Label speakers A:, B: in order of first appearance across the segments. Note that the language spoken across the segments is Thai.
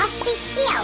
A: Official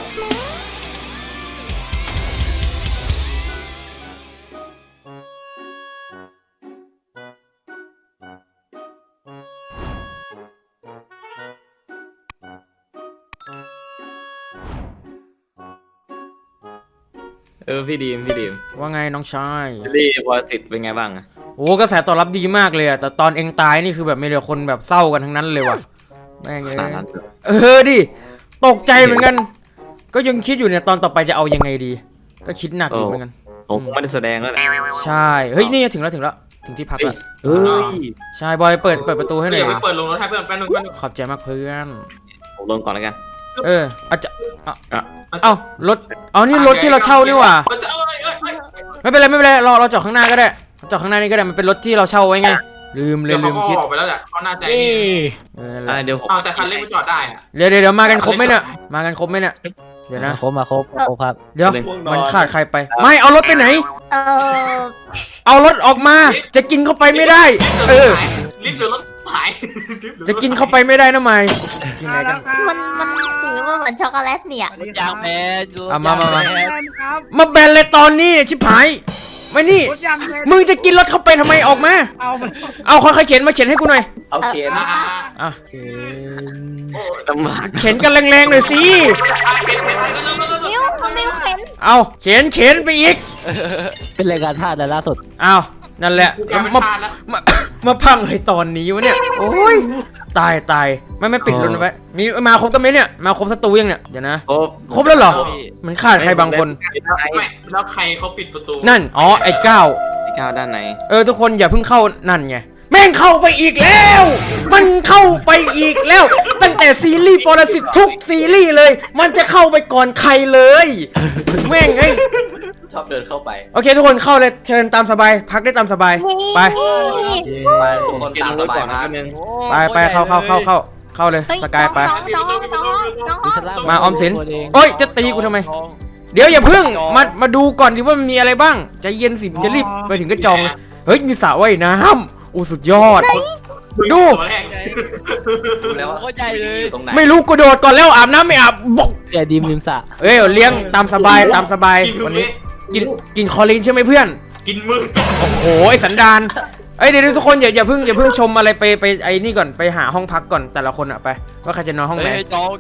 B: พี่ดีม
C: ว่าไงน้องชาย
B: รีวอสิตเป็นไงบ้างอะ
C: โอ้กระแสตอบรับดีมากเลยอะแต่ตอนเองตายนี่คือแบบมีแต่คนแบบเศร้ากันทั้งนั้นเลยว่ะแม่ง
B: ข
C: เอ้
B: นาด
C: ย
B: นั้น
C: ดิตกใจเหมือนกัน ก็ยังคิดอยู่เนี่ยตอนต่อไปจะเอายังไงดี ก็คิดหนักอยู่เหมือนกัน
B: ผมคงไม่ได้แสดงแล้วแหละ
C: ใช่เฮ้ยนี่ถึงแล้วถึงที่พักแล้ว
B: เฮ้ย
C: ใช่บอยเปิดประตูให้หน่อย
D: เดี๋ยวไปเปิดลงรถให้เพื่อนแป๊บนึง
C: ขอบใจมากเพื่อน
B: ผมลงก่อนแล้วกัน
C: อาจจะเอ้ารถนี่รถที่เราเช่านี่หว่าไม่เป็นไรเราจอดข้างหน้าก็ได้จอดข้างหน้านี่ก็ได้มันเป็นรถที่เราเช่าไว้ไงลืม
D: เดี๋ยวเขาก็
C: คิด
D: ออกไปแล้วแหละเขาน่าจะ
B: เดี๋ยวผม
D: เอาแต่คันเล็กไปจอดได้อะ
C: เดี๋ยวมากันครบไหมเนี่ยเดี๋ยวนะ
E: ครบครับ
C: เดี๋ยวมันขาดใครไปไม่เอารถไปไหน
A: เออ
C: เอารถออกมาจะกินเข้าไปไม่ได้
D: ลิฟต์หรือรถหาย
C: จะกินเข้าไปไม่ได้นะไม่กินไหนกัน
A: มันถือว่าเหมือนช็อกโกแลตเนี่ย
E: ยางแมน
C: มาแบนเลยตอนนี้ชิบหายไม่นี่มึงจะกินรถเข้าไปทำไมออกมาเอาค่อยๆเข็นมาเข็นให้กูหน่อย
B: เอาเข็น
C: อ่ะ
B: ลำบาก
C: เข็นกันแรงๆหน่อยสิ
A: นิ้วเข็น
C: เอาเข็นไปอีก
E: เป็นรายการท่าแต่ล่าสุด
C: เอานั่นแหละมาพังให้ตอนนี้วะเนี่ยโอ้ยตายไม่ปิดรุ่นไว้มีมาครบกันไหมเนี่ยมาครบศัตรูยังเนี่ยเดี๋ยวนะครบแล้วเหรอมันขาดใครบางคน
D: ไม่แล้วใครเขาปิดประตู
C: นั่นไอ้ก้าว
B: ด้านไหน
C: ทุกคนอย่าเพิ่งเข้านั่นไงแม่งเข้าไปอีกแล้ว มันเข้าไปอีกแล้ว ตั้งแต่ซีรีส์ปรสิตทุกซีรีส์เลย มันจะเข้าไปก่อนใครเลยแม่งไอ้
B: ชอบเดินเข้าไป
C: โอเคทุกคนเข้าเลยเชิญตามสบายพักได้ตามสบายไป
B: ไปทุกคนตามสบายนะนึง
C: ไปเข้าเลยสกายไป
A: น้อง
C: มาออมสินโอ้ยจะตีกูทำไมเดี๋ยวอย่าเพิ่งมาดูก่อนดิว่ามันมีอะไรบ้างใจเย็นสิจะรีบไปถึงก็จองเฮ้ยมีสระว่ายน้ำสุดยอดดู
B: แล้ว
E: เข้าใจเลย
B: ตรงไหน
C: ไม่รู้กูโดดก่อนแล้วอาบน้ำไม่อาบบอก
E: เสียดีมริมสระ
C: เลี้ยงตามสบายวันนี้กินคอลีนใช่ไหมเพื่อน
D: กินมึง
C: โอ้โหไอสันดานเดี๋ยวทุกคนอย่าเพิ่งชมอะไรไปไอ้นี่ก่อนไปหาห้องพักก่อนแต่ละคนอะไปว่าใครจะนอนห้องไหน
E: จอง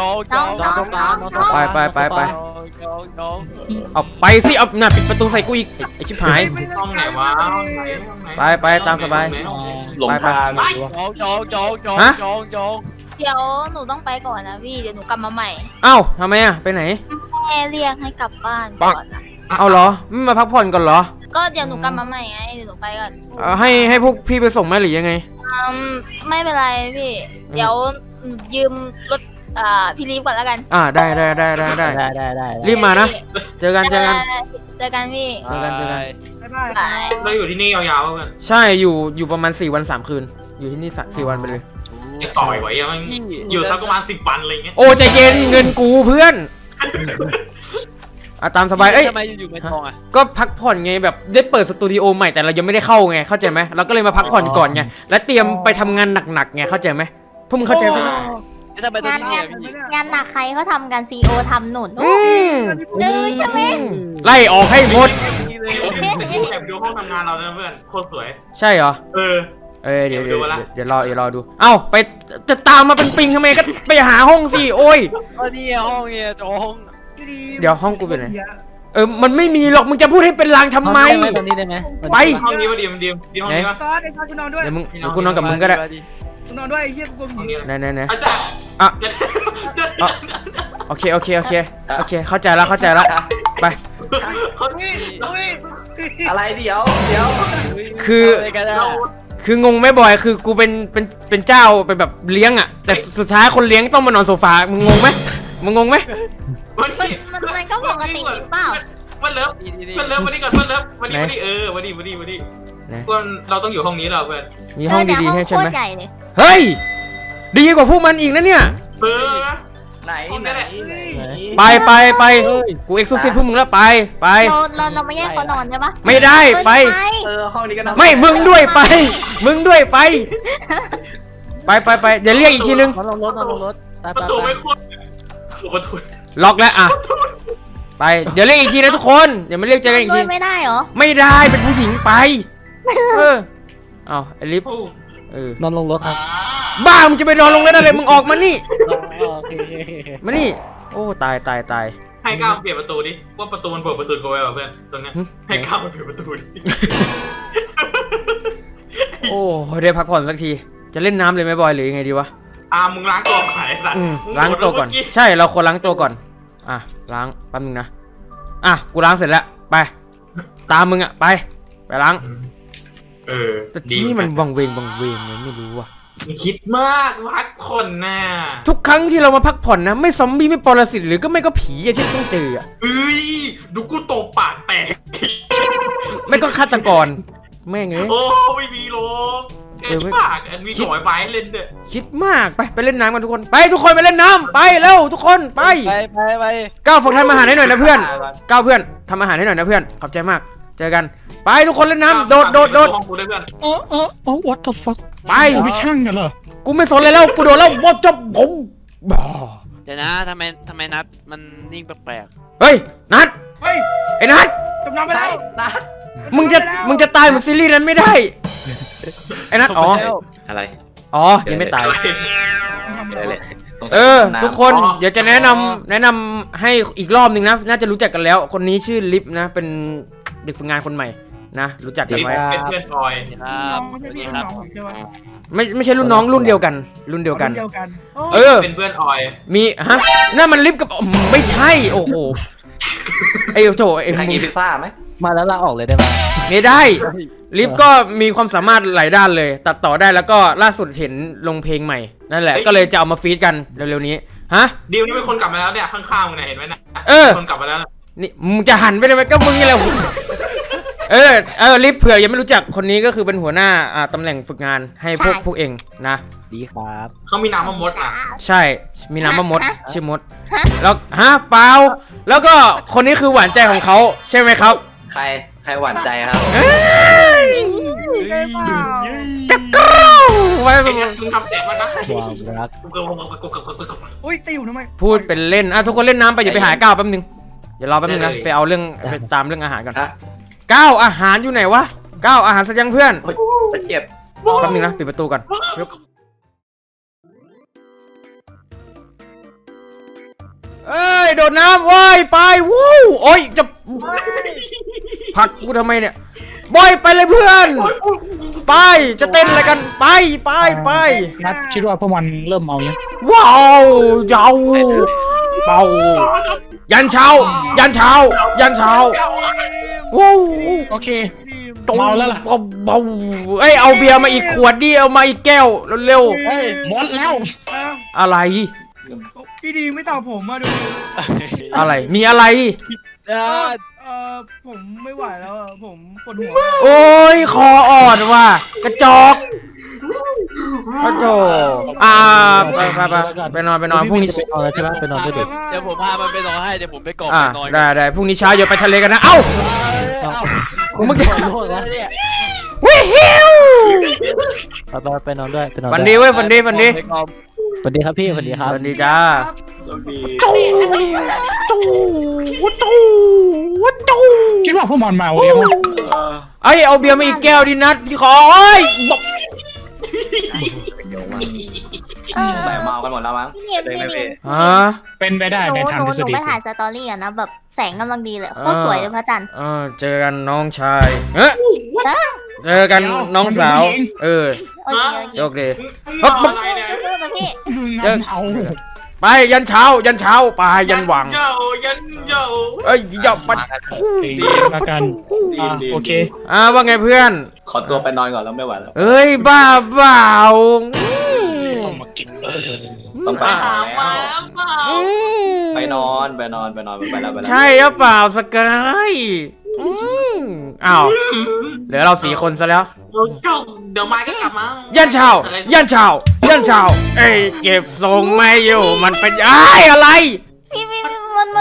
C: ไปเอาไปสิเอาหน้าปิดประตูใส่กูอีกไอชิบหาย
D: ห้องไหนวะ
C: ไปตามสบาย
B: หลงทาง
E: จอง
A: เดี๋ยวหนูต้องไปก่อนนะพี่เดี๋ยวหนูกลับมาใหม่
C: เอ้าทำไมอะไปไหน
A: แม่เรียกให้กลับบ้านก่อนนะ
C: เอาเหรอไม่มาพักผ่อนก่อนเหรอ
A: ก็เดี๋ยวหนูกลับมาใหม่ไงเดี๋ยวหนูไปก่อน
C: ให้พวกพี่ไปส่งไหมหรือยังไง
A: ไม่เป็นไรพี่เดี๋ยวหนูยืมรถพี่ลีฟก่อนแล้วกัน
C: ได้รีบมานะเจอกัน
A: เจอกันพี่ บาย
D: เราอยู่ที่นี่ยาวๆกัน
C: ใช่อยู่ประมาณ4 วัน 3 คืนอยู่ที่นี่4 วันไปเลย
D: จะต่อยไว้ยังอยู่สักประมาณ10 วันอะไรเงี้ย
C: โอ้ใจเย็นเงินกูเพื่อนตามสบาย
E: ทำไมอยู่ไม่ทองอ่ะ
C: ก็พักผ่อนไงแบบได้เปิดสตูดิโอใหม่แต่เรายังไม่ได้เข้าไงเข้าใจไหมเราก็เลยมาพักผ่อนก่อนไงและเตรียมไปทำงานหนักๆไงเข้าใจไหมพวกมึงเข้าใจไหม
E: ทำไมตัวนี้
A: งานหนักใครเขาทำกันซีโอทำหนุนใช่ไหม
C: ไล่ออกให้หมด
D: แอบดูห้องทำงานเรานะเพื่อนโคตรสวย
C: ใช่เหรอ เดี๋ยวรอดูเอ้าไปจะตามมาเป็นปิงทำไมก็ไปหาห้องสิโอ้ย
E: นี่ห้องเนี่ยจอง
C: เดี๋ยวห้องกูเป็นไงมันไม่มีหรอกมึงจะพูดให้เป็นลางทำไม
E: ตรงนี้ได้ไหม
C: ไป
D: ห้องนี้วะดีห้องนี้วะ
F: ซอสไอ้ซอสกูนอนด้วย
C: เดี๋ยวกูนอนกับมึงก็ได้
F: กูนอนด้วยไอ้เหี้ยกูกลัวผี
C: ไหน
D: อาจารย์
C: โอเคเข้าใจแล้วไป
B: อะไรเดี๋ยว
C: คืองงไหมบอยคือกูเป็นเจ้าเป็นแบบเลี้ยงอ่ะแต่สุดท้ายคนเลี้ยงต้องมานอนโซฟามึงงงไหม
A: มันก็ปกติเปล่า
D: วันเลิฟวันนี้ก่อนวันเลิฟวันนี้วันนี้เราต้องอยู่ห้องนี้เราเพื่อน
C: มีห้องดีๆให้ใช่ไหม
A: ใหญ่เลย
C: เฮ้ยดีกว่าพวกมันอีกนะเนี่ย
B: ไหน
C: ไปกูเอ็กซ์ซูซิฟพวกมึงแล้วไป
A: เราไม่แยกเขานอนใช่ปะ
C: ไม่ได้ไป
B: ห้องนี้ก็น่า
C: ไม่มึงด้วยไปไปเดี๋ยวเรียกอีกทีนึง
E: ลงรถ
D: ประตูไม่คุ้นประตู
C: ล็อกแล้วอ่ะไปเดี๋ยวเรียกอีกทีนะทุกคนเดี๋ยวมาเรียกเจอกันอีก
A: ด้ว
C: ที
A: ยไม่ได้เหรอ
C: ไม่ได้เป็นผู้หญิงไปเอาไอลิฟ
E: นอนลงรถครับ
C: บ้ามึงจะไปนอนลงเล่นอะไรมึงออกมานี่
E: โอเค
C: มานี่โอ้ตาย
D: ให้ก้าวเปลี่ยนประตูดิว่าประตูมันเปิดประตูกูไว้ป่ะเพื่อนตรงเนี้ยให้ก้าวมันเปลี่ยนประตูดิ
C: โอ้ได้พักผ่อนสักทีจะเล่นน้ำเลยไหมบอยหรือยังไงดีวะ
D: มึงล้างตัวไข่สัตว์
C: ล้างตัวก่อนใช่เราควรล้างตัวก่อนอ่ะล้างแป๊บนึงนะอ่ะกูล้างเสร็จแล้วไปตามมึงอ่ะไปล้างแต่ที่นี่มันวังเวงเลยไม่รู้ว่ะ
D: คิดมากพักคนน่ะ
C: ทุกครั้งที่เรามาพักผ่อนนะไม่ซอมบี้ไม่ปรสิตหรือก็ไม่ก็ผีอะที่ต้องเจออะ
D: ดูกูตบปากแตก
C: ไม่ก็ฆาตกรแม่งเอ้ย
D: โอ้ไม่มีหรอกปากมีหน่อยไม้เล่นเด้อ
C: คิดมากไปเล่นน้ำกันทุกคนไปทุกคนไปเล่นน้ำไปเร็วทุกคนไปก้าวฝึกทำอาหารให้หน่อยนะเพื่อนก้าวเพื่อนทำอาหารให้หน่อยนะเพื่อนขอบใจมากเจอกันไปทุกคนเล่นน้ำโดด
G: what the fuck
C: ไป
G: ไม่ช่างกันเหรอ
C: กูไม่สนเลยแล้วกูโดนแล้ววอจบผมบ้า
E: เดี๋ยวนะทำไมนัดมันนิ่งแปลก
C: เฮ้ยนัด
F: เฮ้ย
C: ไอ้นัด
F: จมน้ำไปแล้ว
B: นะ
C: มึงจะตายเหมือนซีรีส์นั้นไม่ได้ไอ้นัดอ๋อ
B: อะไร
C: อ๋อยังไม่ตาย
B: อะไรเลย
C: ทุกคนเดี๋ยวจะแนะนำให้อีกรอบหนึ่งนะน่าจะรู้จักกันแล้วคนนี้ชื่อลิฟนะเป็นเด็กฝึกงานคนใหม่นะรู้จักกันไว้
D: เป็นเพื่อนพลอย
E: ๆค
F: น้
E: รับ
F: องไม่ใช่พี่น้องผมใช่ไหม
C: ไม่ใช่รุ่นน้องรุ่นเดียวกันรุ่นเดียวกัน
D: เป็นเพื่อนออย
C: มีฮะนั่นมันลิฟกับไม่ใช่โอ้โหไอ้โถไอ้
B: ใคร
C: มึ
B: กิ
C: ง
B: นพิซซ่าไหม
E: มาแล้วลาออกเลยได้ไหม
C: ไม่ได้ลิฟก็มีความสามารถหลายด้านเลย ตัดต่อได้แล้วก็ล่าสุดเห็นลงเพลงใหม่นั่นแหละก็เลยจะเอามาฟีดกันเร็วๆนี้ฮะ
D: ดิวนี่เป็นคนกลับมาแล้วเนี่ยข้างๆมึงเห็นไหมนะคนกลับมาแล้ว
C: นี่มึงจะหันไปได้ไหมก็มึงนี่แหละลิฟเผื่อยังไม่รู้จักคนนี้ก็คือเป็นหัวหน้าตำแหน่งฝึกงานให้พวกเองนะ
E: ดีครับ
D: เขามีน้ำมะมดอ่ะ
C: ใช่มีน้ำมะมดชื่อมดแล้วเปล่าแล้วก็คนนี้คือหวานใจของเขาใช่ไหมครับ
B: ใครหวานใจครับ
F: ใช่เปล่า
C: จะกรูไว้
D: มึงทำเสียงมันนะ
E: ความรัก
F: อุ้ยตีอยู่ทำไม
C: พูดเป็นเล่นทุกคนเล่นน้ำไปอย่าไปหาก้าวแป๊บนึงเดี๋ยวรอแป๊บนึงนะไปเอาเรื่องไปตามเรื่องอาหารก่อนก้าวอาหารอยู่ไหนวะก้าวอาหารสักยังเพื่อน
B: จะเจ็บ
C: แป๊บนึงนะปิดประตูก่อนเอ้ยโดดน้ำว่ายไปวู้โอ้ยจะผลักกูทำไมเนี่ยบอยไปเลยเพื่อนไปจะเต้นอะไรกันไป
G: นัดคิดว่าพวกมันเริ่มเมายัง
C: ว้าวยาวเป่ายันเช้าว้าว
G: โอเคเมาแล้วล่ะ
C: เบาเอ้ยเอาเบียร์มาอีกขวดดิเอามาอีกแก้วเร็ว
G: เฮ้ยหมดแล้ว
C: ๆอะไร
F: พี่ดีไม่ตอบผมมาดู
C: อะไรมีอะไร
F: ผมไม่ไหวแล้วผมปวดหัว
C: โอ้ยคออ่อนว่ะกระจอกกระจอกไปนอนพรุ่งนี้
E: นอนแล้วใช่ไหมไปนอนด้วยเดี๋ยวผมพามันไปนอนให้เดี๋ยวผมไปกอบไปนอน
C: ได้พรุ่งนี้เช้าอย่าไปทะเลกันนะเอ้าเมื่อกี้
E: โทษนะ
C: วิฮิว
E: ไปนอนด้วย
C: ฝันดีเว้ยฝันดี
E: สวัสดีครับพี่สวัสดีครับ
C: ฝันดีจ้าจู
G: คิดว่าพวกมันเมายัง
C: ไอเอาเบียร์มาอีกแก้วดินัดพี่ขอเอ้ยบอก
B: ใส่เมากันหมดแล้วมั้ง
A: พี่เนียน
C: ฮะ
G: เป็นไปได้
A: ห
G: ในทาง
A: นู
G: ทฤษฎี
A: ไปถ่ายสตอรี่อะนะแบบแสงกำลังดีเลยโคตรสวยเลยพระจันทร์
C: เจอกันน้องชายเจอกันน้องสาว
A: โอเค
C: โชคดี
D: อะไรเนี่ย
A: พี่
G: เอา
C: ไปยันเช้าไปยันหวัง
D: ยันเจ้า
C: เอ้ยอย่าปัด
G: ดีมากันโอเค
C: ว่าไงเพื่อน
B: ขอตัวไปนอนก่อนแล้วไม่ไหวแล้ว
C: เอ้ยบ้าเปล่า
G: ต้องมากิน
B: ต้องไป
D: ถามมาเปล่า
B: ไปนอนไปแล้ว
C: ใช่หรือเปล่าสกายอ้าวเหลือเรา4 คนซะแล้ว
D: เดี๋ยวมาก็กลับมา
C: ยันเช้าเอ้ยเก็บทรงไม่อยู่มันเป็นอะไร
A: พี่มัน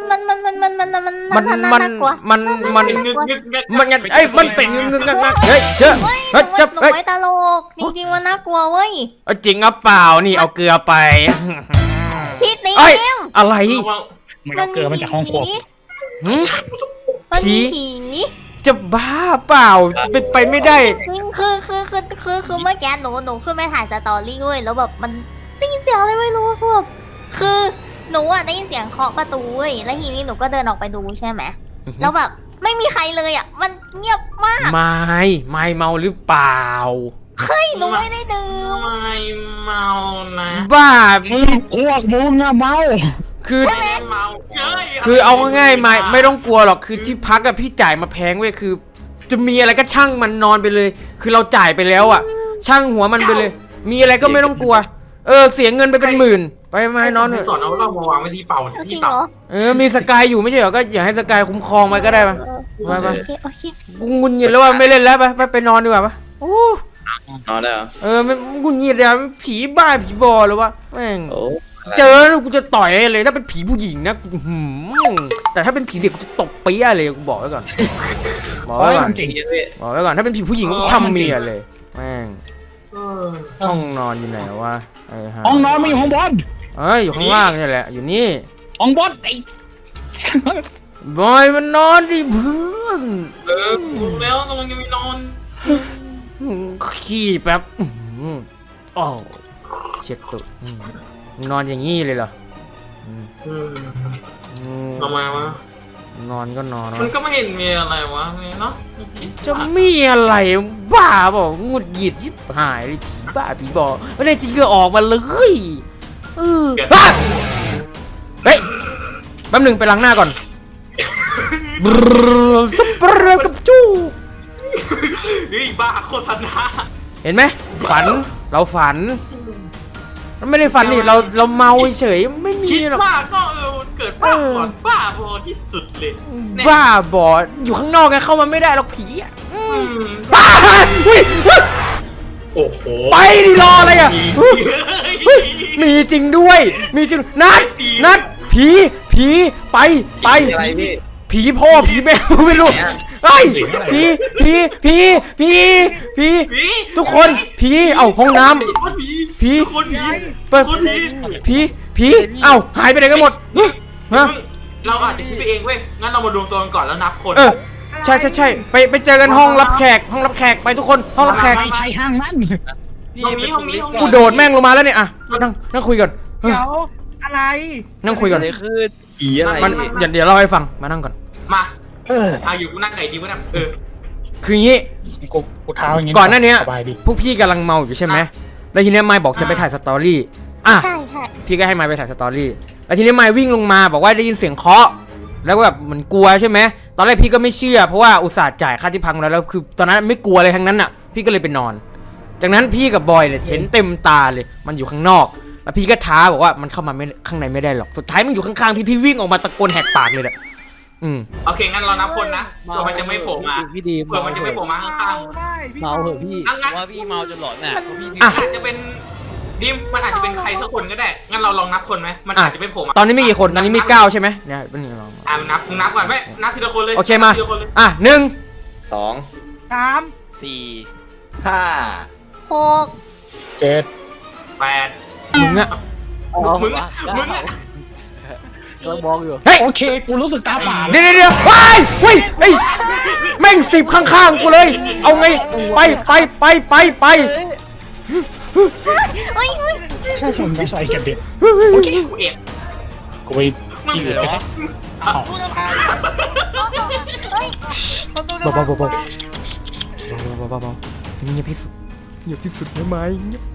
A: น่ากลัว
C: มันงั้นไอ้มันเป็นงึงเฮ้ยเจอเฮ้ยจับ
A: หนู
C: เฮ้ย
A: ไม่ตลกจริงๆมันน่ากลัวเว้ย
C: จริงหรือเปล่านี่เอาเกลือไป
A: พี่ตี
C: เอ้ย
A: เอ็ม
C: อะไร
G: มันก็เกิดมาจากห้องครัว
C: หึ
A: มันมีผี
C: จะบ้าเปล่าจะเป็นไปไม่ได้
A: คือเมื่อกี้หนูขึ้นไปถ่ายสตอรี่เว้ยแล้วแบบมันได้ยินเสียงอะไรไม่รู้คือแบบคือหนูอะได้ยินเสียงเคาะประตูเว้ยแล้วทีนี้หนูก็เดินออกไปดูใช่ไหมแล้วแบบไม่มีใครเลยอะมันเงียบมาก
C: ไม่เมาหรือเปล่า
A: เฮ้ยหนูไม่ได้ดื่ม
D: ไม่เมานะ
C: บ้า
G: พวกมึงอะเมา
C: คือ
D: ไม่เมาเย้ย
C: คือเอาง่ายๆไม่ต้องกลัวหรอกคือที่พักกับพี่จ่ายมาแพงเว้ยคือ จะมีอะไรก็ช่างมันนอนไปเลย คือเราจ่ายไปแล้วอ่ะ ช่างหัวมันไปเลย มีอะไรก็ไม่ต้องกลัว เสียเงินไปเป็นหมื่นไปมานอนเถ
D: สอ
C: อะ
D: นเอาเรามาวางไว้ที่เป่า
A: จริ
D: ที่
A: งเหร
D: ตับ
A: อ
C: มีสกายอยู่ไม่ใช่เหรอก็อย่าให้สกายคุ้มครองไว้ก็ได้ปะ ไป
A: โอเคโอเค
C: กูงุนงิดแล้วว่าไม่เล่นแล้วไปนอนดีกว่าปะโอ้
E: นอนได้เหรอ
C: ไม่งุนงิดอะผีบ้าผีบอหรือวะแม่ง
E: โอ้
C: เจอแล้วกูจะต่อยเลยถ้าเป็นผีผู้หญิงนะกูแต่ถ้าเป็นผีเด็กกูจะตบเปี้ยเลยกูบอกไว้ก่อนบอกไว้ก่อน
G: จริง
C: บอกไว้ก่อนถ้าเป็นผีผู้หญิงก็ทำเมียเลยแม่งห้องนอนอยู่ไหนวะฮะ
G: ห้องนอนไม่อยู่ห้องบอล
C: อยู่ข้างล่างนี่แหละอยู่นี่
G: ห้องบอลไอ้
C: บอยมันนอนดิเพื่อน
D: พูดแล้วกำลังจะมีนอน
C: ขี้แป๊บอ๋อเช็ดตุนอนอย่างงี้เลยเหรอ
D: ทำไมวะ
C: นอนก็นอน
D: มันก็ไม่เห็นมีอะไรวะเนาะ
C: จะมีอะไรบ้าบอกงุดหงิดชิบหายเลยผีบ้าผีบอไม่ได้จริงก็ออกมาเลยเฮ้ยแป๊บหนึ่งไปล้างหน้าก่อนสเปรย์กับจู้
D: เฮ้ยบ้าโฆษณา
C: เห็นไหมฝันเราฝันมันไม่ได้ฝันนี่เราเมาเฉยไม่มี
D: คิด
C: หรอก
D: มากก็เกิดบ้าบอดบ้าบอที่สุดเลย
C: บ้าบออยู่ข้างนอกไงเข้ามาไม่ได้หรอกผีอ่ะ
D: บ้า
C: อุ้ย
D: โอ้โห
C: ไปดิรออะไรอ่ะมีจริงด้วยมีจริงนัดผีไป
E: อะไรพี่
C: ผีพ่อผีแม่ไม่รู้ไอ้ผีทุกคนผีเอาห้องน้ำผี
D: คนผี
C: เปิดผีเอ้าหายไปไหนกันหมดฮะ
D: เราอาจจะคิดไปเองเว้ยงั้นเรามารวมตัวกันก่อนแล้วนับคน
C: ใช่ไปเจอกันห้องรับแขกไปทุกคนห้องรับแขก
G: ไม่ใช่ห้างนั้น
D: ห้องนี้
C: กูโดดแม่งลงมาแล้วเนี่ยอ่ะนั่งคุยก่อน
F: เดี๋ยวอะไร
C: นั่งคุยก่อน
E: อะไรคือผีอะไร
C: มันเดี๋ยวเล่าให้ฟังมานั่งก่อน
D: มา
G: เออ
D: เอาอยู่กูนั่งไก่ดีวะเนี่ย
C: คืองี้
G: กูเท้าอย่างงี้
C: ก่อนหน้านี้
G: สบายดี
C: พวกพี่กำลังเมาอยู่ใช่ไหมแล้วทีนี้ไมค์บอกจะไปถ่ายสตอรี่อ่ะ
A: ใช่ใช่
C: พี่ก็ให้ไมค์ไปถ่ายสตอรี่แล้วทีนี้ไมค์วิ่งลงมาบอกว่าได้ยินเสียงเคาะแล้วก็แบบเหมือนกลัวใช่ไหมตอนแรกพี่ก็ไม่เชื่อเพราะว่าอุตส่าห์จ่ายค่าที่พังแล้วคือตอนนั้นไม่กลัวอะไรทั้งนั้นอ่ะพี่ก็เลยไปนอน จากนั้นพี่กับบอยเนี่ยเห็นเต็มตาเลยมันอยู่ข้างนอกแล้วพี่ก็ท้าบอกว่ามันเข้ามาไม่ข้างในไม่ได้หรอกสุดท้ายมันอยู่ข้างๆพี่วิ่งออกมาตะโกนแหกปากเลยแหละ
D: โอเคงั้นเรานับคนนะเผื่อมันจะไม่โผล่มา
E: พี่ดี
D: เผื่อมันจะไม่โผล่มาข้าง
F: ได้พี่
E: เมาเหอะพี่
D: งั้น
E: ว่าพี่เมาจนหลอนน่ะพี่
D: อาจจะเป็นดิมมันอาจจะเป็นใครสักคนก็ได้งั้นเราลองนับคนไหมมันอาจจะไม่โผล่มา
C: ตอนนี้มีกี่คนตอนนี้มี9ใช่ไหมเนี่ยเป็นยังไงลอง
D: นับก่อนไหมนับทีละคนเลย
C: โอเคมา
D: ทีละคนเลย
C: อ่ะ1
B: 2
F: 3
E: 4
B: 5
A: 6
G: 7
D: 8
C: มึงอะ
D: มึง
E: ก็มองอยู่
C: เฮ้ย
G: โอเคกูรู้สึกตาฝาด
C: เดี๋ยวว้ายเฮ้ยไอ้แม่ง10ข้างๆกูเลยเอาไงไป
G: แค่ผมไม่ใส่กันเด็ด
D: โอเคกูเอ็ด
G: กูไปที่อื่นไป
C: เบาเงียบที่สุดได้ไหมเงียบ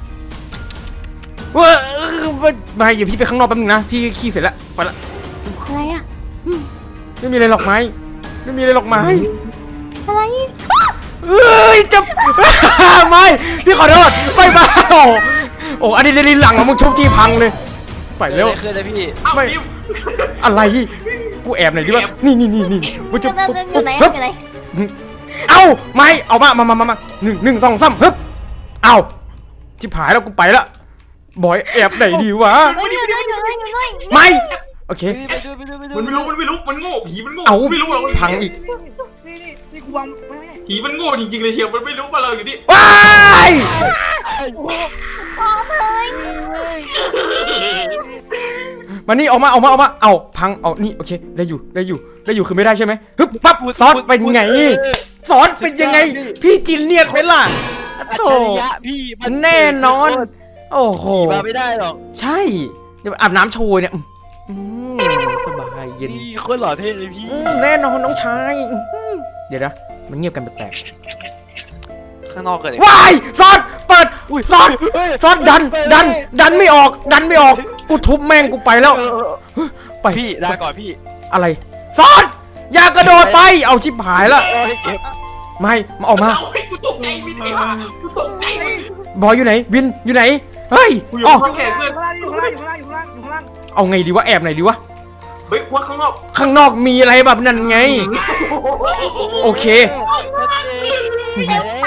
C: ว้ามาอย่าพี่ไปข้างนอกแป๊บนึงนะพี่ขี้เสร็จแล้วไปละ
A: อะไรอะ
C: ไม่มีอะไรหรอกไหมไม่มีอะไรหรอกไหม
A: อะไร
C: เอ้ยจะไม่พี่ขอโทษไปมาโอ้อันนี้ลิ้นหลังของมึงชุบจี้พังเลยไปเร็ว
E: คืออะไรพี่
C: ไม่อะไรกูแอบหน่อยดิวะนี่กูจะ
A: อยู่ไหนอยู่ไหน
C: เอ้าไม่เอามา1 2 3ฮึบเอ้าชิบหายแล้วกูไปละบอยแอบไหนดีวะ
A: ไม่อยู่ไหนอยู่ไหนอยู่ไหน
C: ไม่โอเค
D: มันไม่รู้มันโง่ผีมันโง่
C: เอา
D: ไม่รู้หรอก
C: พังอีก
F: นี่กูวางไม่
D: ผีมันโง่จริงๆเลยเชียวมันไม่รู้ว่าเราอยู่นี่
C: ว้าย
A: พอเลย
C: มานี่ออกมาเอาพังเอานี่โอเคได้อยู่คือไม่ได้ใช่ไหมฮึบปั๊บซอสเป็นไงซอสเป็นยังไง พี่จินเนียดไหมล่ะ
E: อัจ
C: โธ่
E: ฉริยะพี่มัน
C: แน่นอน โอ้โห
E: ขี่มาไม่ได้หรอก
C: ใช่เดี๋ยวอาบน้ำโชยเนี่ยสบายเย็น
E: นี่โคตรหล่อเท่เลยพี่
C: แน่นอนน้องชายเดี๋ยวนะมันเงียบกันแปลก
E: ข้างนอกเกิดอะไร
C: ๆว้ายซอสเปิดซอส
E: เฮ้ย
C: ซอสดันไม่ออกกูทุบแม่งกูไปแล้วไป
E: พี่ลาก่อนพี่
C: อะไรซอสอย่ากระโดดไปเอาชิบหายละ
E: โอ้ยเก็บ
C: ไม่มาออกมา
D: เฮ้ยกูตกใจวินไอ้ห่ากูตกใจวิน
C: บอยอยู่ไหนวินอยู่ไหนเฮ้ย
D: กูอยู่
C: อ๋อ
D: ข้างแขนเพื่อน
F: อยู่ข้างล่างอยู่ข้างล่างอยู่ข้างล่าง
C: เอาไงดีวะแอบไหนดีวะ
D: เฮ้ยว่าข้างนอก
C: ข้างนอกมีอะไรแบบนั้นไง โอเค
F: นี่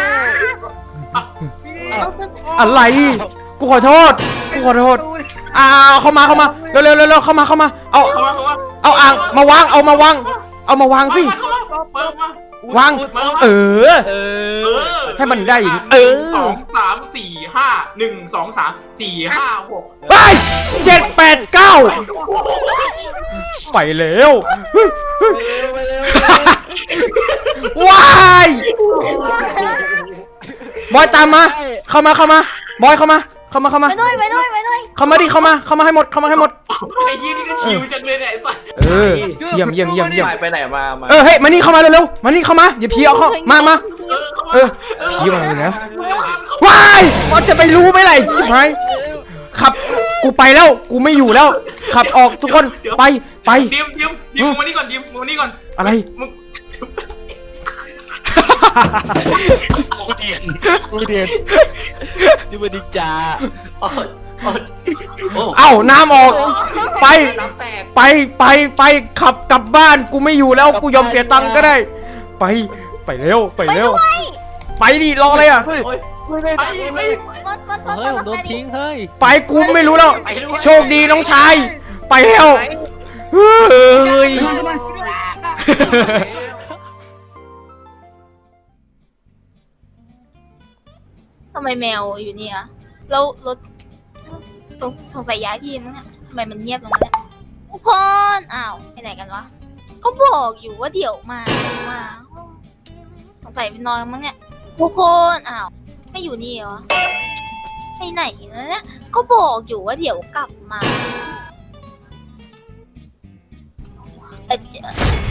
C: อะไร กูขอโทษเข้ามาเร็วเข้ามาเอา
D: เข้ามา
C: เอาอ่างมาวางเอามาวางสิ
D: เปิดมาว
C: าง
D: มา
C: เออ
E: เออ
C: ให้มันได้อย่างนี้
D: หนึ่งสองสามสี่ห้า1 2 3 4 5 6
C: ไป7 8 9ไปแล้วว้ายบอยตามมาเข้ามาบอยเข้ามา
A: ไปด้วย
C: เข้ามาดิเข้ามาให้หมด
D: ไอ้ยี่นี่ก็ชิวจังเลยเนี่ยไอ้สัส
C: เออเยี่ยม
B: ไปไหนมา
C: เออเฮ้ยมานี่เข้ามาเร็วๆมานี่เข้ามาอย่าพีเอาเข้ามา
D: เออ
C: พีมาเลยนะว้ายมันจะไปรู้ไหมล่ะชิบหายขับกูไปแล้วกูไม่อยู่แล้ว ขับออกทุกคนไป
D: ดิมมานี่ก่อนดิมมานี่ก่อน
C: อะไร
D: มึง
G: กูเดียน
E: นี่มันดิจา
C: เอ้าน้ำออกไป
B: น้ำแตก
C: ไปขับกลับบ้านกูไม่อยู่แล้วกูยอมเสียตังค์ก็ได้ ไปเร็วไปดิรออะไรอ่ะ
E: เฮ้ยไม่ได้
D: ไป
E: ตังค์
D: ไป
E: เลย
A: เฮ้ยผมโดนทิ้ง
C: ไปกูไม่รู้แล้วโชคดีน้องชายไปแล้วเฮ้ย
A: ทำไมแมวอยู่เนี่ยแล้วรถสงสัยย้ายที่มั้งเนี่ยทำไมมันเงียบลงมาเนี่ยทุกคนอ้าวไปไหนกันวะก็บอกอยู่ว่าเดี๋ยวมาสงสัยไปนอนมั้งเนี่ยทุกคนอ้าวไม่อยู่นี่เหรอไปไหนแล้วเนี่ยก็บอกอยู่ว่าเดี๋ยวกลับมา